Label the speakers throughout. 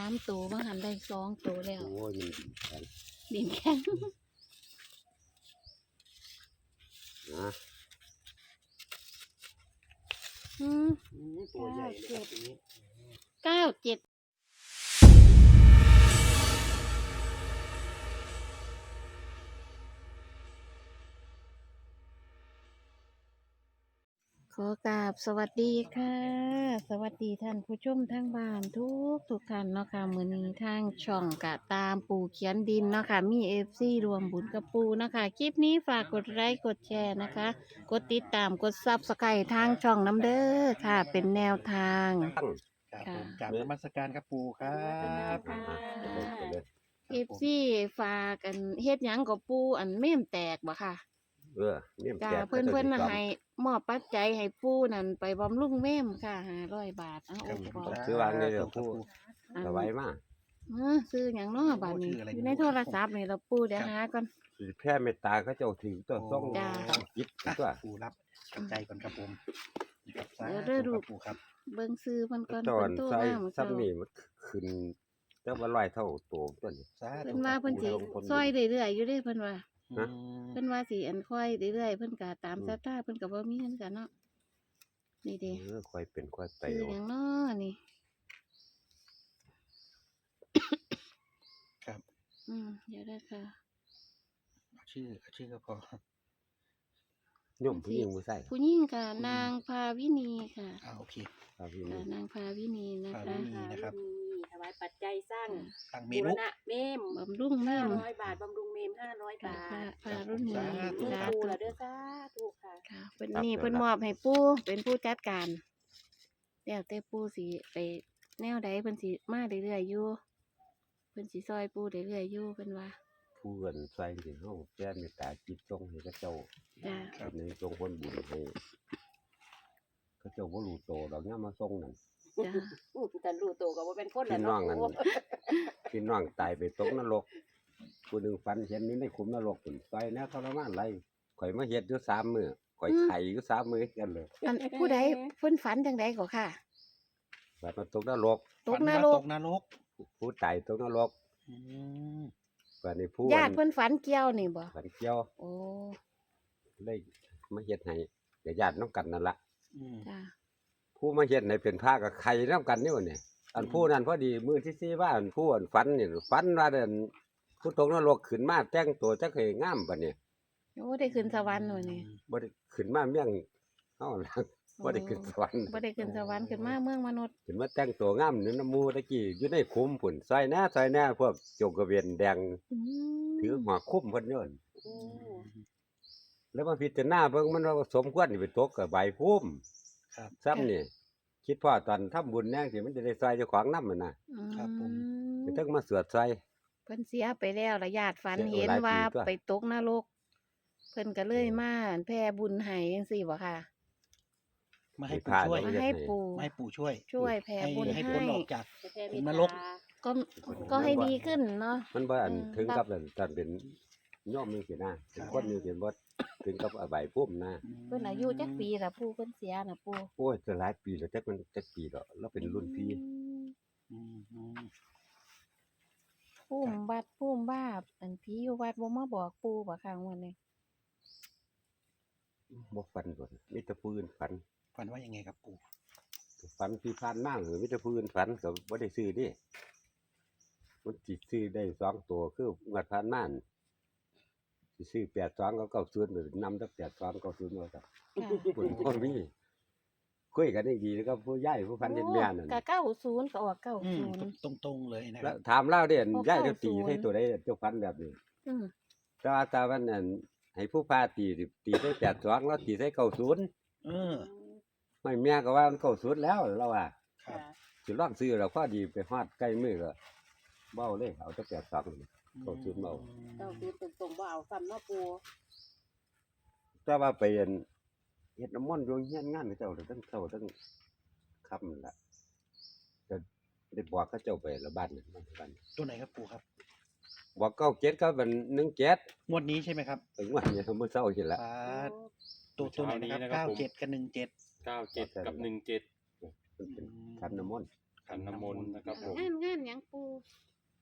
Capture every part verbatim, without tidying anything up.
Speaker 1: ามตัวบางหันได้สองตัวแล้ว
Speaker 2: โอ้ยมันแข็ง
Speaker 1: ดินแข็ง
Speaker 2: นะ
Speaker 1: อืม
Speaker 3: ตัวใหญ่เลยครับทีนี้
Speaker 1: เก้าเจ็ดขอกราบสวัสดีค่ะ สวัสดีท่านผู้ชมทั้งบ้านทุกทุกท่านเนาะค่ะมื้อนี้ทางช่องกะตามปู่เขียนดินเนาะค่ะมี เอฟ ซี รวมบุญกับปู่เนาะค่ะคลิปนี้ฝากกดไลค์กดแชร์นะคะ กดติดตามกด ซับสไครบ์ ทางช่องน้ำเด้อค่ะ เป็นแนวทาง
Speaker 2: ตั้ง
Speaker 3: ครับ
Speaker 1: ค่ะ
Speaker 3: ผมกราบนมัสการครับปู่ครับ
Speaker 2: อ่าไปเลยไปเลย
Speaker 1: เอฟซีฝากกันเฮ็ดหยังกับปู่อันเม่มแตกบ่ค่ะ
Speaker 2: เออเนี่ย
Speaker 1: จ้า
Speaker 2: แจก
Speaker 1: เพิ่นเพิ่นน่ะ
Speaker 2: ขาจะ
Speaker 1: ให้มอบปัจจัยให้ปู่นั่นไปบำรุงเม่มค่ะห้าร้อยบาทเอา
Speaker 3: ครั
Speaker 1: โอ้
Speaker 3: บ
Speaker 1: ขอ
Speaker 2: ซื้อวางเลยเดี๋ยวผู้
Speaker 1: อัน
Speaker 2: สบายมาก
Speaker 1: เออซื้อหยังเนาะบัดนี้
Speaker 3: ชื่ออะไร
Speaker 1: อยู่ในโทรศัพท์นี่เราปู่เดี๋ยวหาก่อน
Speaker 2: สิแพ้เมตตาเขาเจ้าถือตัวส่ง
Speaker 1: จ้า
Speaker 2: จิต
Speaker 3: อ่ะ
Speaker 2: ตัว
Speaker 3: ปู่รับปัจจัยก่อนครับผมนะครับสา
Speaker 1: เดี๋ยว
Speaker 3: ธุ
Speaker 1: เด้อลู
Speaker 3: ค
Speaker 1: ก
Speaker 3: รับปู่ครับ
Speaker 1: เบิ่งซื้อเพิ่นก่อน
Speaker 2: ตอ
Speaker 1: เพิ่
Speaker 2: น
Speaker 1: นโทร
Speaker 2: ใส่
Speaker 1: มาเมื่อ
Speaker 2: ซ้ำ
Speaker 1: เช้า
Speaker 2: นี่มันขึ้นเจ้าว่าร้อยเท่าตัวตัวนี้
Speaker 3: สาธุ
Speaker 1: เพิ่นว่าเพิ่นสิ
Speaker 2: ลงทุน
Speaker 1: ซอยเรื่อยๆอยู่เด้เพิ่นว่า
Speaker 3: อืม
Speaker 1: เพิ่นว่าสิอันค่อยเรื่อยๆเพิ่นก็ตามศรัทธาเพิ่นก็บ่มีเงินกันเนาะนี่เด้
Speaker 2: เออค่อยเป็นค่อยไป
Speaker 1: ซื้อ
Speaker 2: เอา
Speaker 1: หยังเนาะนี่
Speaker 3: ครับ
Speaker 1: อืมเดี๋ยวเด้อค่ะ
Speaker 3: เอาชื่อเอาชื่อก็พอ
Speaker 2: โย่อมผู้หญิงผู้ชาย
Speaker 1: ผู้หญิงค่ะนางภาวินีค่ะ
Speaker 3: อ่าโอเค
Speaker 2: ครับพี่
Speaker 1: ค่ะ
Speaker 2: นี่
Speaker 1: นางภาวินีนะ
Speaker 3: ภา
Speaker 1: คะ
Speaker 3: วินี นะครับ
Speaker 4: ถวายปัจจัยสร้าง
Speaker 3: ตั้งเม
Speaker 4: บู
Speaker 3: นู
Speaker 4: รณะเมม
Speaker 1: บำรุงแม่
Speaker 4: ห้าม ร้อยบาทบำรุงเมมห้าร้อย
Speaker 1: ค่ะ
Speaker 4: บา
Speaker 1: พา
Speaker 4: ท
Speaker 1: พารุ่นนี้
Speaker 3: สาธุ
Speaker 1: สา
Speaker 4: ปู
Speaker 1: ธุ
Speaker 4: ละเด้อสาธุค่ะ
Speaker 1: ค่ะเพิ่นนี่เพิ่นมอบให้ปู่เป็นผู้จัดการแล้วแต่ปู่สิไปแนวใดเพิ่นสิมาเรื่อยๆอยู่เพิ่นสิซอยปู่เรื่อยๆอยู่เพิ่นว่า
Speaker 2: ผู้เงินใส่ถึงห้องแพ้เมตตาจิตส่งให้เขาเจ้า
Speaker 1: จ้า
Speaker 3: ครับ
Speaker 2: ในทรงคนบุญให้เขาเจ้าบ่รู้โตดอกเนี้ยมาส่งนั่น
Speaker 1: จ้า
Speaker 4: อู้แต่รู้ตัวก็ว่าเป็นคน
Speaker 2: พี่
Speaker 4: ละ
Speaker 2: น้อ
Speaker 4: เนาะ
Speaker 2: งอัน พี่น้องตายไปตกนรกผู้หนึ่งฝันเห็นนี้ในขุมนรกผุนไฟนะทรมานไรข่อยมาเฮ็ดอยู่สามมือข่อยไข่อยู่สามมือกันเลย
Speaker 1: อันผู้ใดเพิ่นฝันจังไดก็ค่ะ
Speaker 2: แบบมาตกนรก
Speaker 1: ตกน
Speaker 3: ฝัว่าร ต
Speaker 1: ก
Speaker 3: กนรก
Speaker 2: ผู้ตายตกนรก
Speaker 3: อืม
Speaker 2: แบบนี้ผู้
Speaker 1: ญาติเพิ่นฝันเกี่ยวนี่บ่
Speaker 2: ฝันเกี่ยว
Speaker 1: โอ้
Speaker 2: เลยมาเฮ็ดให้เดี๋ยวญาติน้ำกันนั่นละ
Speaker 3: อืม
Speaker 1: จ้า
Speaker 2: ผู้มาเฮ็ดให้เป็นพระกับไข่น้ำกันนี่วะเนี่ยอันผู้นั้นพอดีมือที่สี่ว่าอันผู้อันฝันนี่ฝันว่าเดินผู้ตกนรกขึ้นมาแต่งตัวจักให้งามปะเนี่ย
Speaker 1: โอ้ได้ขึ้นสวรรค์หน่อยนี่
Speaker 2: บ่ได้ขึ้นมาเมี่ยงเฮาล่ะบ่ได้ขึ้นสวรรค์
Speaker 1: บ่ได้ขึ้นสวรรค์ขึ้นมาเมืองมนุษย์
Speaker 2: ขึ้นมาแต่งตัวงามนี่น้ำหมูตะกี้อยู่ในคุ้มพุ่นซอยแหน่ซอยแหน่พวกโจกกระเวียนแดง
Speaker 1: อืม
Speaker 2: ถือหัวคุ้มเพิ่นโยน
Speaker 4: อืม
Speaker 2: แล้วมาพิจารณาเบิ่งมันว่าสมควรสิไปตกกับใบพุ่ม
Speaker 3: ครับ
Speaker 2: ซ้ำนี่คิดพ่อตอนทำบุญแน่สิมันจะได้ซอยเจ้าของนำมันน่ะ
Speaker 3: ครับผม
Speaker 2: ไปถึงมาสวดซอย
Speaker 1: เพิ่นเสียไปแล้วละญาติฝัน
Speaker 2: เสีย
Speaker 1: เห็น
Speaker 2: หลายปี
Speaker 1: ว่า
Speaker 2: ตัว
Speaker 1: ไปตกนรก เพิ่นก็เลยมาแผ่บุญให้จังซี่บ่ค่ะ
Speaker 3: มาให้
Speaker 2: ให้
Speaker 3: ปู่
Speaker 2: พา
Speaker 3: ช่วย
Speaker 2: แล้ว
Speaker 1: มาให้ปู่
Speaker 3: มาให้ปู่ช่วย
Speaker 1: ช่วยแผ่
Speaker 3: ให้
Speaker 1: บุญ
Speaker 3: ให้
Speaker 1: ให้
Speaker 3: พ้นออกจาก
Speaker 4: จะแผ่เม
Speaker 3: ขุ
Speaker 4: ต
Speaker 3: มน
Speaker 4: ตาร
Speaker 3: ก
Speaker 1: ก็ก็ให้ดีขึ้นเนาะ
Speaker 2: มันบ่อัน
Speaker 1: อืม
Speaker 2: ถึงกับอันตอนเป็นโยมจังซี่นะเป็นคนนี่เป็นบ่ถึงกับใบพุ่มนะ
Speaker 1: เพิ่นอายุจักปีล่ะปู่เพิ่นเสียน่ะปู่
Speaker 2: โอ้ยจะหลายปีแล้วจักมันจักปีดอกแล้วเป็นรุ่นพี่
Speaker 1: อืม
Speaker 3: อืมอืม
Speaker 1: ภูมิวัดภูมิบ้าปอันผีอยู่วัดบ่มาบอกปู่บ่ค่ะวันนี้
Speaker 2: บ่ฝันโดนมีแต่ผู้อื่นฝัน
Speaker 3: ฝันว่ายังไงครับปู่
Speaker 2: ฝันที่ผ่านมาหรือมีแต่ผู้อื่นฝันก็บ่ได้ซื้อเดิมันสิซื้อได้สองตัวคืองวดผ่านมานั่นสิซื้อแปดสองก็เก้าศูนย์หรือนำแต่แปดสองเก้าศูนย์ว่าซั่น
Speaker 1: ค่ะ
Speaker 2: เพิ่นบ่มีคุยกันได้ดีแล้วก็ผู้ยายผู้ฝันเห็นแม่นั่น
Speaker 1: ก็เก้าศูนย์ก็ออกเก้า
Speaker 3: อืม
Speaker 1: ศูนย์
Speaker 3: ตรงตรงๆเลยนะค
Speaker 2: แล้
Speaker 3: รั
Speaker 2: ว
Speaker 3: บ
Speaker 2: ถามเล่าเด่น
Speaker 1: โอ้
Speaker 2: ยายจะตี
Speaker 1: เก้าศูนย์
Speaker 2: ให้ตัวใดเจ้าฝันแบบนี้
Speaker 1: อืม
Speaker 2: แต่ว่าตาวันนั้นให้ผู้พาตีตีใส่แปดสองแล้วตีใส่เก้าศูนย์
Speaker 3: เออ
Speaker 2: ไม่แม่ก็ว่ามันเก้าศูนย์แล้วเราว่า
Speaker 3: ครับ
Speaker 2: สิลองซื้อแล้วพอดีไปฮอดใกล้มือก็เบ้าเลยเอาแต่แปดสอง เขาซื้อเมา
Speaker 4: เจ้าคือตรงๆบ่เอาซ้ำเนาะปู
Speaker 2: แต่ว่าไปอันเฮ็ดน้ำมนต์อยู่เฮียนงานเขาเจ้าตั้งเท่าตั้งค่ำนั่นล่ะก็ได้บอกเขาเจ้าไปละบ้านนั่นบ้านบ้าน
Speaker 3: ตัวไหนครับปู่ครับ
Speaker 2: บอกเก้าเจ็ดก็เป็นหนึ่งเจ็ด
Speaker 3: งวดนี้ใช่ไหมครับ
Speaker 2: ถึงวันนี้มื้อเช้าเห็นละ
Speaker 3: ฟ้าตัวตัวไหนนะครับเก้าเจ็ดกับหนึ่งเจ็ด
Speaker 5: เก้าเจ็ดกับหนึ่งเจ็ด
Speaker 2: มันเป็นขันน้ำมนต์
Speaker 5: ขันน้ำมนต์นะครับผม
Speaker 1: งานงานหยังปู่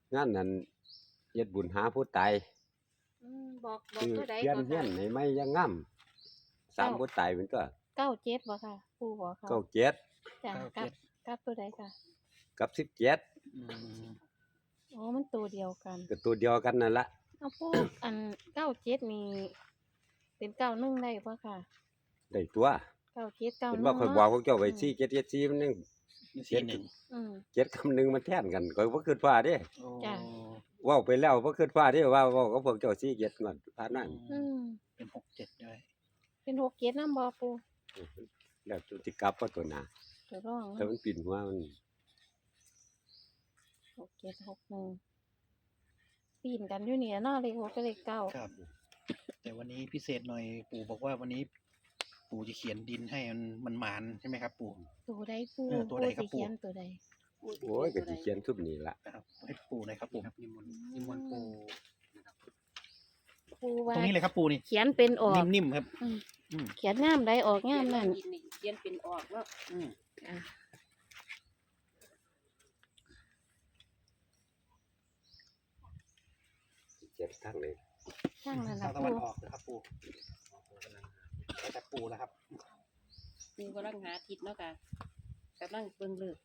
Speaker 2: งานนั้นเฮ็ดบุญหาผู้ตาย
Speaker 1: อืมบอกบอก
Speaker 2: คือ
Speaker 1: ตัวใด
Speaker 2: เพี้ยน
Speaker 1: ก่อน
Speaker 2: เฮีย
Speaker 1: ค่ะ
Speaker 2: นให้ไม่ยังงามสามผู้ตายเป็นตัว
Speaker 1: เก้าเจ็ดบ่ค่ะปูบอกเขา
Speaker 2: เก้าเจ็ด
Speaker 1: จ้ะ
Speaker 3: เก้า
Speaker 1: กั
Speaker 3: เจ็
Speaker 1: บ
Speaker 3: ด
Speaker 1: กับตัวใดค่ะ
Speaker 2: กับสิบเจ็ด
Speaker 3: อืม
Speaker 1: อ๋อมันตัวเดียวกัน
Speaker 2: ก็ตัวเดียวกันนั่นละ
Speaker 1: เอาปู อันเก้าเจ็ดนี่เป็นเก้าหนึ่งได้ปะค่ะ
Speaker 2: ได้ตัว
Speaker 1: เก้าเจ็ดเก้าห
Speaker 2: เป็น
Speaker 1: นึ่ง
Speaker 2: ว่าข่อยบอกพวกเจ้าไว้
Speaker 1: อืม
Speaker 2: สี่เจ็ดเจ็ดสี่มันยัง
Speaker 3: มีสี่หนึ่ง
Speaker 1: อืม
Speaker 2: เจ็ดคำหนึงมันแทนกันข่อยบ่คิดว่าเด้
Speaker 3: โอ้
Speaker 1: จ้ะ
Speaker 2: เว้าไปแล้วบ่คิดว่าเด้ว่าเว้ากับพวกเจ้าสี่เจ็ดงวดผ่านมา
Speaker 1: อืม
Speaker 3: เป็นหกเจ็ดด้วย
Speaker 1: เป็นหกเจ็ดน้ำบอปู
Speaker 2: แล้วตัวสิกลับว่าตัวหน้า
Speaker 1: ตัวร่อง
Speaker 2: แต่มันปิ่นหัวมัน
Speaker 1: หกเจ็ดหกหนึ่งปีนกันอยู่เนี่ยเนาะเลขหกกับเลขเก้า
Speaker 3: ครับ แต่วันนี้พิเศษหน่อยปู่บอกว่าวันนี้ ปู่จะเขียนดินให้มันมันหมานใช่ไหมครับ ปู่
Speaker 1: ตัวใดปู
Speaker 3: เออตัวใดครับ
Speaker 1: สิเขียน
Speaker 3: ปู่
Speaker 1: ตัวใด
Speaker 4: ปู่สิ
Speaker 2: โอ้ยก็
Speaker 4: เขี
Speaker 2: สิ
Speaker 4: น
Speaker 2: เขียนทุบนี่ล่ะ
Speaker 3: นะครับให้ปู่หน่อยครับปู่
Speaker 1: ปูว่า
Speaker 3: ตรงนี้เลยครับปู่นี่
Speaker 1: เขียนเป็นออก
Speaker 3: นิ่มๆครับ
Speaker 1: อืม
Speaker 3: อืม
Speaker 1: เขียนงามใดออกงามนั่น
Speaker 4: เขียนเขียนเป็นออกเนาะ
Speaker 3: อืม
Speaker 1: อ่ะ
Speaker 2: เขียนทั้งเลย
Speaker 1: ช่างนั่น
Speaker 3: ทา
Speaker 1: ละ
Speaker 3: งตะวัน
Speaker 1: ปู
Speaker 3: ออกนะครับปู่แล้วแต่ปู่นะครับ
Speaker 4: ปูกำลังหาทิศเนาะค่ะกำลังเบิ่งเลิก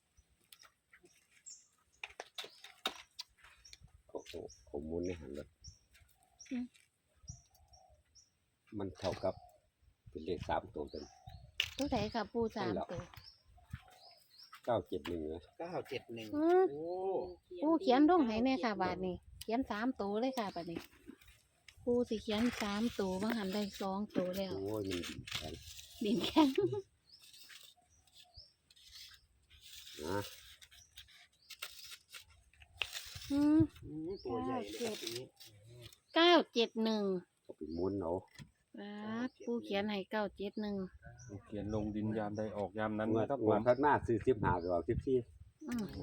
Speaker 2: โอ้โหข้อมูลในหันรถมันเท่ากับเป็นเลขสามตัวเป็น
Speaker 1: ตัวใดค่ะปูสาม
Speaker 2: นั่นแหละ
Speaker 1: ตัว
Speaker 2: เก้าเจ็ดหนึ่งนะ
Speaker 3: เก้าเจ็ดหนึ่ง
Speaker 1: อืม
Speaker 3: โอ้
Speaker 1: ปูเขียนลงให้แน่ค่ะบาทนี้เขียนสามตัวเลยค่ะบาทนี้ปูสิเขียนสามตัวมาหันได้สองตัวแล้ว
Speaker 2: โอ้ยมันดีแข็ง
Speaker 1: ดินแข็ง
Speaker 2: นะ
Speaker 1: อืม
Speaker 3: อืมตัวใหญ่เลยครับทีนี้
Speaker 1: เก้าเจ็ดหนึ่ง
Speaker 2: เอาไปหมุนเอา
Speaker 1: ปูเขียนให้เก้าเจ็ดหนึ่ง
Speaker 5: เขียนลงดินยามใดออกยามนั้น
Speaker 2: เมื่อ
Speaker 5: นะครับ
Speaker 2: งวดพัดมาซื้อสิบห้าดอกสิบสี่
Speaker 1: อืม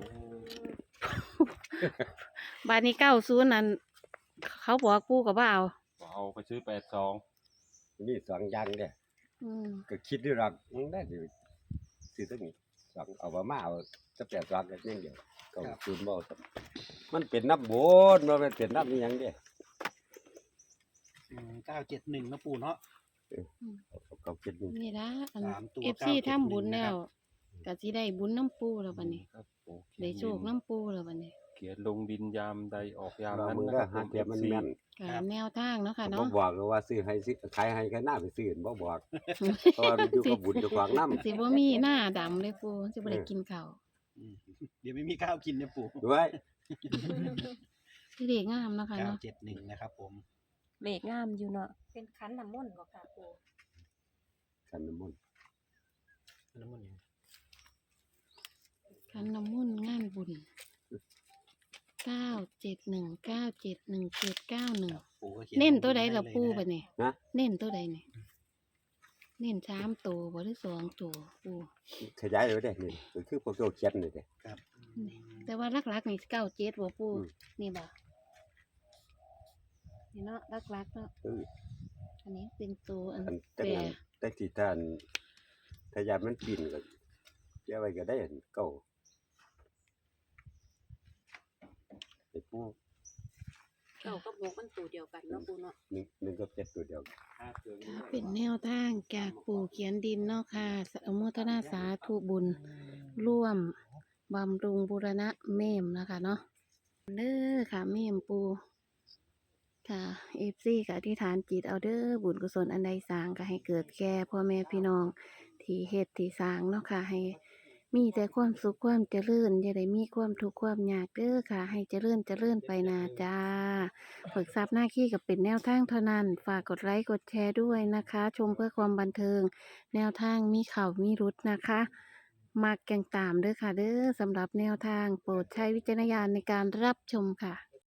Speaker 1: บาทนี้เก้าศูนย์นั่นเขาบอกปูกับว่าเอา
Speaker 5: เอาไปซื้อแปดสอง
Speaker 2: มีสองอย่างเด้
Speaker 1: อืม
Speaker 2: ก็คิดด้วยหรักมันได้อยู่ซื้อตั้งนี้สองเอามามาเอาจะแปดสองกันยังเดียวก็คูณบ่เอามันเป็นนับบนมันเป็นนับนี่ยังเด้
Speaker 3: เก้าเจ็ดหนึ่งนะปู่เนาะ
Speaker 2: เอาเขาคิดดู
Speaker 1: นี่ละอัน
Speaker 3: สามตัว
Speaker 1: เอฟซี
Speaker 3: เก้าเจ็ดหนึ่ง
Speaker 1: ทำบุญแล้ว
Speaker 3: นะครับ
Speaker 1: ก็สิได้บุญน้ำปูแล้วบัดนี้
Speaker 5: ครับโอ้เขีย
Speaker 1: ได้
Speaker 5: น
Speaker 1: โชคน้ำปูแล้วบัดนี้
Speaker 5: เขียนลงดินยามใดออกยาม
Speaker 2: เรา
Speaker 5: นั้น
Speaker 2: มือ
Speaker 5: นะ
Speaker 2: ก็
Speaker 5: ครับ
Speaker 2: หาเทียมันแม่น
Speaker 1: ก็แนวทางเนาะค่ะ
Speaker 2: บ่
Speaker 1: เนาะ
Speaker 2: บอกเลยว่าซื้อให้ซื้อขายให้ก็น่าไปซื้อบ่บอกเพราะว่ามันอยู่กับบุญอยู่ขวางน้ำ
Speaker 1: สิบ่มีหน้าดำเลยปูสิบ่ได้กินข้าว
Speaker 3: อืมเดี๋ยวไม่มีข้าวกินนะปู่
Speaker 2: ด้วย
Speaker 1: สิเด็กงามเนาะค่ะ
Speaker 3: เก้า
Speaker 1: เนาะ
Speaker 3: เจ็ดหนึ่งนะครับผม
Speaker 4: เลขงามอยู่เนาะเป็นขันน้ำมนต์บ่ค่ะปู
Speaker 2: กันน้ำมันต์
Speaker 3: น้ำมันยัง
Speaker 1: คันน้ำมนต์งานบุญเก้าเจ็ดหนึ่งเก้าเจ็ดหนึ่งเจ็ดเก้าหนึ่ง
Speaker 3: ปู่ก็ขีย
Speaker 1: เน้นตัวใด
Speaker 3: ให้
Speaker 1: ล่ะ
Speaker 3: เลย
Speaker 1: ปู
Speaker 3: นะ
Speaker 1: บัดนี้
Speaker 2: นะ
Speaker 1: เน้นตัวใดนี่เน้นสามตัวบ่หรือสองตัวปู
Speaker 2: ขยายเลยเด้นี่ก็คือพวกเราเขียนนี่เด้
Speaker 3: ครับ
Speaker 1: แต่ว่าหลักๆนี่เก้าเจ็ดบ่ปู
Speaker 2: อืม
Speaker 1: นี่บ่นี่เนาะหลักๆเนาะ
Speaker 2: เออ
Speaker 1: อันนี้เป็นตัวอัน
Speaker 2: อัน
Speaker 1: แป
Speaker 2: แต่
Speaker 1: ร
Speaker 2: งานแต่ที่ท่านถ้ายามมันปีนก็เจ้าไว้ก็ได้อันเก่าไอ้ผู้
Speaker 4: เก้ากับหกมันตัวเดียวกันเนาะปูเนาะ
Speaker 2: หนึ่งหนึ่งกับเจ็ดตัวเดียว
Speaker 1: เป็นแนวทางจากปู่เขียนดินเนาะค่ะอนุโมทนาสาธุบุญ ร่วมบำรุงบูรณะเมมนะคะเนาะเด้อค่ะเมมปูค่ะเอฟซีกับอธิษฐานจิตเอาเด้อบุญกุศลอันใดสร้างก็ให้เกิดแก่พ่อแม่พี่น้องที่เฮ็ดที่สร้างเนาะค่ะให้มีแต่ความสุขความเจริญอย่าได้มีความทุกข์ความยากเด้อค่ะ ให้เจริญเจริญไปนาจ้าฝึกทรัพย์หน้าขี้กับเป็นแนวทางเท่านั้น ฝากกดไลค์กดแชร์ด้วยนะคะ ชมเพื่อความบันเทิง แนวทางมีเข่ามีรุดนะคะ มักแกงตามเด้อค่ะเด้อสำหรับแนวทางโปรดใช้วิจารณญาณในการรับชมค่ะ